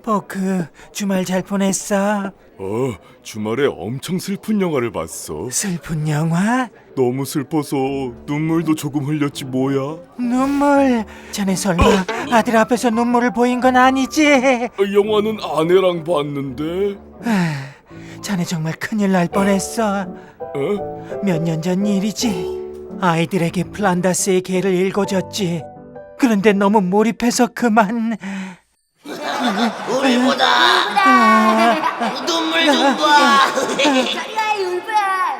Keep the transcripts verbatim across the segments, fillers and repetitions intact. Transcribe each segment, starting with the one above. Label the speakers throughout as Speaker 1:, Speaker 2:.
Speaker 1: 포크, 주말 잘 보냈어?
Speaker 2: 어, 주말에 엄청 슬픈 영화를 봤어.
Speaker 1: 슬픈 영화?
Speaker 2: 너무 슬퍼서 눈물도 조금 흘렸지 뭐야.
Speaker 1: 눈물. 자네 설마 아들 앞에서 눈물을 보인 건 아니지?
Speaker 2: 어, 영화는 아내랑 봤는데.
Speaker 1: 아, 자네 정말 큰일 날 뻔했어.
Speaker 2: 어?
Speaker 1: 몇 년 전 일이지. 아이들에게 플란다스의 개를 읽어줬지. 그런데 너무 몰입해서 그만.
Speaker 3: 우리보다
Speaker 1: 아,
Speaker 3: 눈물 좀 봐.
Speaker 4: 저리와 울브야.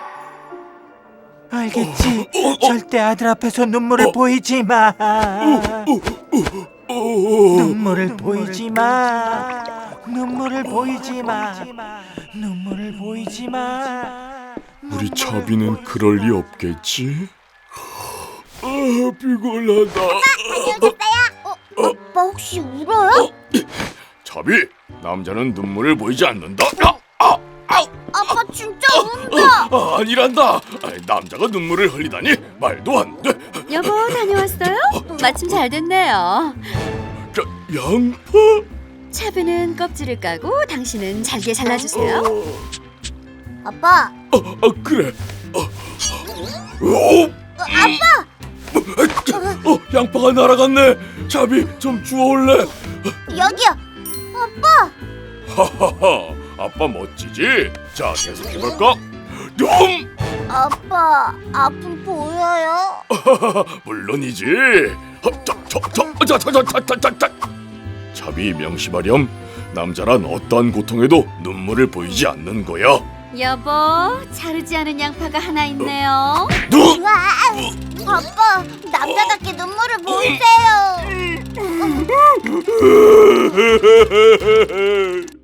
Speaker 1: 알겠지. 절대 아들 앞에서 눈물을 보이지 마. 눈물을 보이지 마. 눈물을 보이지 마. 눈물을 보이지 마.
Speaker 2: 우리 차비는 그럴 리 없겠지? 아, 피곤하다.
Speaker 4: 다녀오겠어요. 어, 아빠 혹시 울어요?
Speaker 2: 차비, 남자는 눈물을 보이지 않는다. 아, 아, 아,
Speaker 4: 아빠 진짜 운다.
Speaker 2: 아, 아니란다. 아, 남자가 눈물을 흘리다니 말도 안 돼.
Speaker 5: 여보, 다녀왔어요? 마침 잘 됐네요.
Speaker 2: 자, 양파?
Speaker 5: 차비는 껍질을 까고 당신은 잘게 잘라주세요.
Speaker 4: 아빠,
Speaker 2: 아, 아 그래. 아, 오!
Speaker 4: 아빠.
Speaker 2: 어, 양파가 날아갔네. 차비, 좀 주워올래?
Speaker 4: 여기요. 아빠.
Speaker 2: 하하하, 아빠 멋지지? 자, 계속해볼까? dum!
Speaker 4: 아빠, 아픔 보여요?
Speaker 2: 물론이지. 어, 자, 저, 저, 자, 자, 자, 자, 자, 자, 자. 차비 명심하렴. 남자란 어떠한 고통에도 눈물을 보이지 않는 거야.
Speaker 5: 여보, 자르지 않은 양파가 하나 있네요.
Speaker 2: 눈!
Speaker 4: 와, 아빠, 남자답게 눈물을 보이세요.